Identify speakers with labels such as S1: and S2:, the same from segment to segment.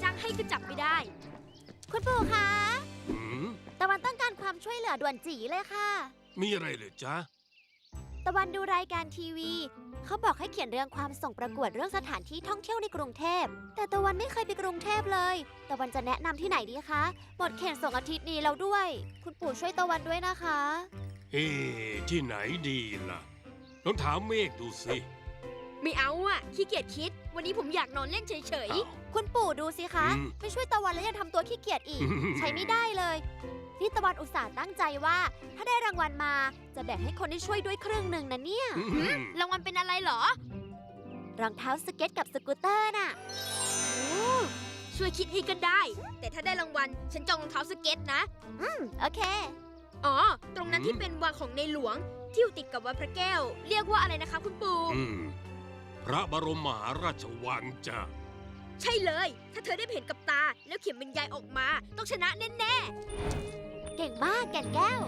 S1: จ้างให้ก็จับไม่ได้
S2: คุณปู่คะ
S3: หืม
S2: ตะวันต้องการความช่วยเหลือด่วนจีเลยค่ะ
S3: มีอะไรเหรอจ๊ะ
S2: ตะวันดูรายการทีวี เขาบอกให้เขียนเรื่องความส่งประกวดเรื่องสถานที่ท่องเที่ยวในกรุงเทพ แต่ตะวันไม่เคยไปกรุงเทพเลย ตะวันจะแนะนำที่ไหนดีคะหมดเขตส่งอาทิตย์นี้แล้วด้วย คุณปู่ช่วยตะวันด้วยนะคะ
S3: ที่ไหนดีล่ะลองถามเมฆดูสิ
S1: ไม่เอาอ่ะขี้เกียจคิด วันนี้ผมอยากนอนเล่นเฉย
S3: อ้าว
S2: คุณปู่ดูสิคะ
S3: อืม
S2: ไม่ช่วยตะวันแล้วยังทำตัวขี้เกียจอีก ใช้ไม่ได้เลยนี่ตะวันอุตส่าห์ตั้งใจว่า ถ้าได้รางวัลมาจะแบ่งให้คนที่ช่วยด้วยครึ่งหนึ่งนะเนี่ย
S1: ๆรางวัลเป็นอะไรเหรอ
S2: รองเท้าสเก็ตกับสกูตเตอร์น่ะ
S1: ช่วยคิดให้ก็ได้ แต่ถ้าได้รางวัลฉันจองรองเท้าสเก็ตนะ
S2: โอเค
S1: อ๋อ ตรงนั้นที่เป็นวังของในหลวง ที่อยู่ติดกับวัดพระแก้ว เรียกว่าอะไรนะคะคุณปู่
S3: พระบรมมหาราชวังจ้ะ
S1: ใช่เลย ถ้าเธอได้เห็นกับตา แล้วเขียนบรรยายออกมา ต้องชนะแน่
S2: เก่งมากแก่นแก้ว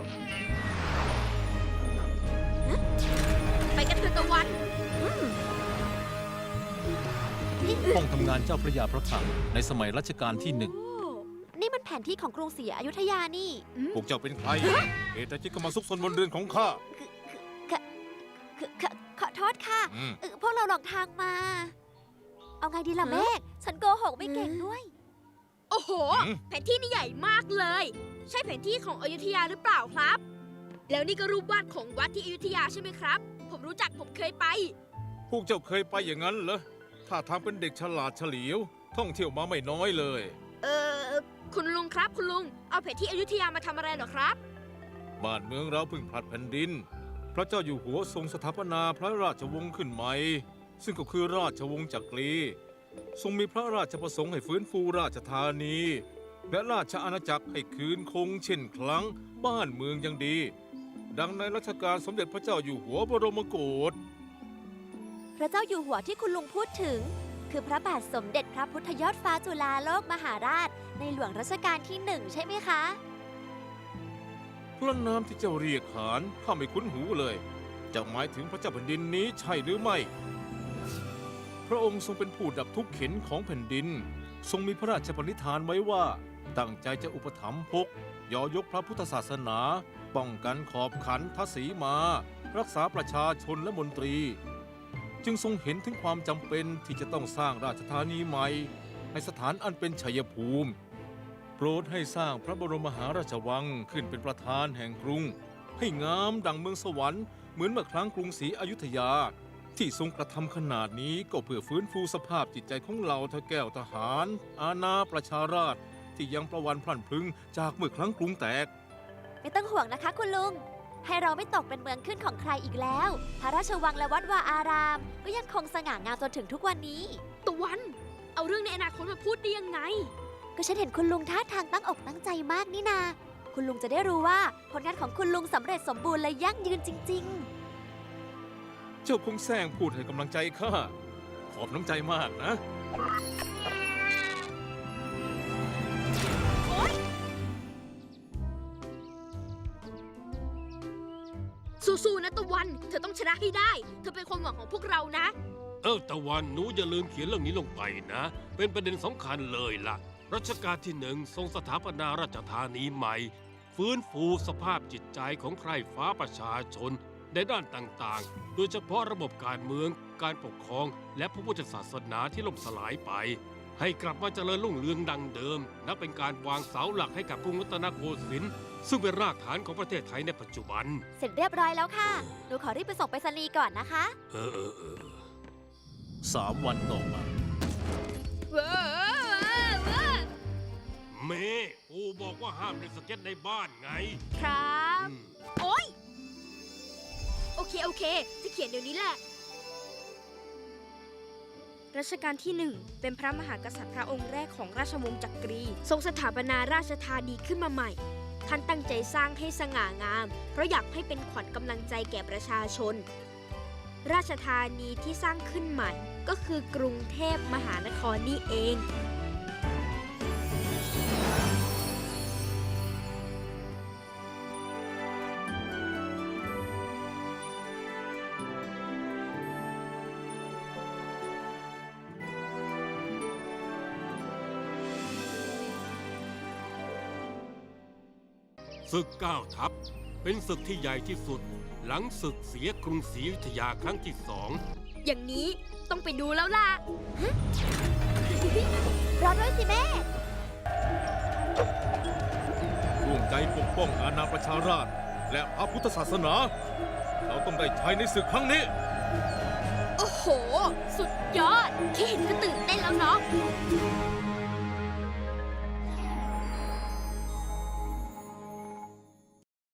S1: ๆ ไปกันเถอะตะวัน
S4: ห้องทำงานเจ้าพระยาพระคลังในสมัยรัชกาลที่ 1
S2: นี่มันแผนที่ของกรุงศรีอยุธยานี่
S4: พวกเจ้าเป็นใครเหตุใดจึงเข้ามาซุกซนบนเรือนของข้า
S2: ขอโทษค่ะ
S4: อืม
S2: พวกเราหลงทางมา เอาไงดีล่ะ
S1: ฮะ
S2: เมฆ ฉันโกหกไม่เก่งด้วย
S1: โอ้โห แผนที่นี่ใหญ่มากเลย ใช่แผนที่ของอยุธยาหรือเปล่าครับ แล้วนี่ก็รูปวาดของวัดที่อยุธยาใช่ไหมครับ ผมรู้จักผมเคยไป
S4: พวกเจ้าเคยไปอย่างนั้นเหรอถ้าทางเป็นเด็กฉลาดเฉลียว ท่องเที่ยวมาไม่น้อยเลย
S1: คุณลุงครับคุณลุง เอาแผนที่อยุธยามาทำอะไรเหรอครับ
S4: บ้านเมืองเราเพิ่งผลัดแผ่นดิน พระเจ้าอยู่หัวทรงสถาปนาพระราชวงศ์ขึ้นใหม่ ซึ่งก็คือราชวงศ์จักรี ทรงมีพระราชประสงค์ให้ฟื้นฟูราชธานี และราชอาณาจักรให้คืนคงเช่นครั้งบ้านเมืองยังดี ดังในรัชกาลสมเด็จพระเจ้าอยู่หัวบรมโกศ
S2: พระเจ้าอยู่หัวที่คุณลุงพูดถึง คือพระบาทสมเด็จพระพุทธยอดฟ้าจุฬาโลกมหาราช ในหลวงรัชกาลที่ 1 ใช่ไหมคะ
S4: พระนามที่เจ้าเรียกขานข้าไม่คุ้นหูเลยจะหมายถึงพระเจ้าแผ่นดินนี้ใช่หรือไม่ พระองค์ทรงเป็นผู้ดับทุกข์เข็นของแผ่นดิน ทรงมีพระราชปณิธานไว้ว่า ตั้งใจจะอุปถัมภกยอยกพระพุทธศาสนา ป้องกันขอบขันทศีมา รักษาประชาชนและมนตรี จึงทรงเห็นถึงความจำเป็นที่จะต้องสร้างราชธานีใหม่ในสถานอันเป็นชัยภูมิ โปรดให้สร้างพระบรมมหาราชวังขึ้นเป็นประธานแห่งกรุง ให้งามดังเมืองสวรรค์เหมือนเมื่อครั้งกรุงศรีอยุธยา ที่ทรงกระทำขนาดนี้ก็เพื่อฟื้นฟูสภาพจิตใจของเหล่าทแก้วทหาร อาณาประชาราษฎร์ที่ยังประวันพลั่นพลึงจากเมื่อครั้งกรุงแตก
S2: ไม่ต้องห่วงนะคะคุณลุง ให้เราไม่ตกเป็นเมืองขึ้นของใครอีกแล้ว พระราชวังและวัดวาอาราม ก็ยังคงสง่างามจนถึงทุกวันนี้
S1: ตะวัน เอาเรื่องในอนาคตมาพูดได้ยังไง
S2: ก็ฉันเห็นคุณลุงท่าทางตั้งอกตั้งใจมากนี่นา คุณลุงจะได้รู้ว่าผลงานของคุณลุงสำเร็จสมบูรณ์และยั่งยืนจริง
S4: เจ้าคงแซงพูดให้กำลังใจข้าขอบน้ำใจมากนะ
S1: สู้ๆนะตะวัน เธอต้องชนะให้ได้ เธอเป็นความหวังของพวกเรานะ
S3: ตะวันหนูอย่าลืมเขียนเรื่องนี้ลงไปนะ เป็นประเด็นสำคัญเลยล่ะ รัชกาลที่ 1 ทรงสถาปนาราชธานีใหม่ ฟื้นฟูสภาพจิตใจของใคร่ฟ้าประชาชนในด้านต่างๆ โดยเฉพาะระบบการเมือง การปกครอง และพระพุทธศาสนาที่ล่มสลายไป ให้กลับมาเจริญรุ่งเรืองดังเดิม นับเป็นการวางเสาหลักให้กับกรุงรัตนโกสินทร์ซึ่งเป็นรากฐานของประเทศไทยในปัจจุบัน
S2: ๆ เสร็จเรียบร้อยแล้วค่ะ หนูขอรีบไปส่งไปรษณีย์ก่อนนะคะ
S4: 3 วันต่อมา
S3: เมปู่บอกว่าห้ามเล่นสเก็ตในบ้านไง
S1: ครับ
S3: อืม
S1: โอ๊ย โอเค จะเขียนเดี๋ยวนี้แหละ รัชกาลที่ 1 เป็นพระมหากษัตริย์พระองค์แรกของราชวงศ์จักรี ทรงสถาปนาราชธานีขึ้นมาใหม่ ท่านตั้งใจสร้างให้สง่างาม เพราะอยากให้เป็นขวัญกำลังใจแก่ประชาชน ราชธานีที่สร้างขึ้นใหม่ ก็คือกรุงเทพมหานครนี่เอง
S3: ศึก9 ทัพเป็นศึกที่ใหญ่ที่สุด หลังศึกเสียกรุงศรีอยุธยาครั้งที่ 2
S1: อย่างนี้ต้องไปดูแล้วล่ะ
S2: รอด้วยสิแม่
S4: ร่วมใจปกป้องอาณาประชาราษฎร์และพระพุทธศาสนา เราต้องได้ชัยในศึกครั้งนี้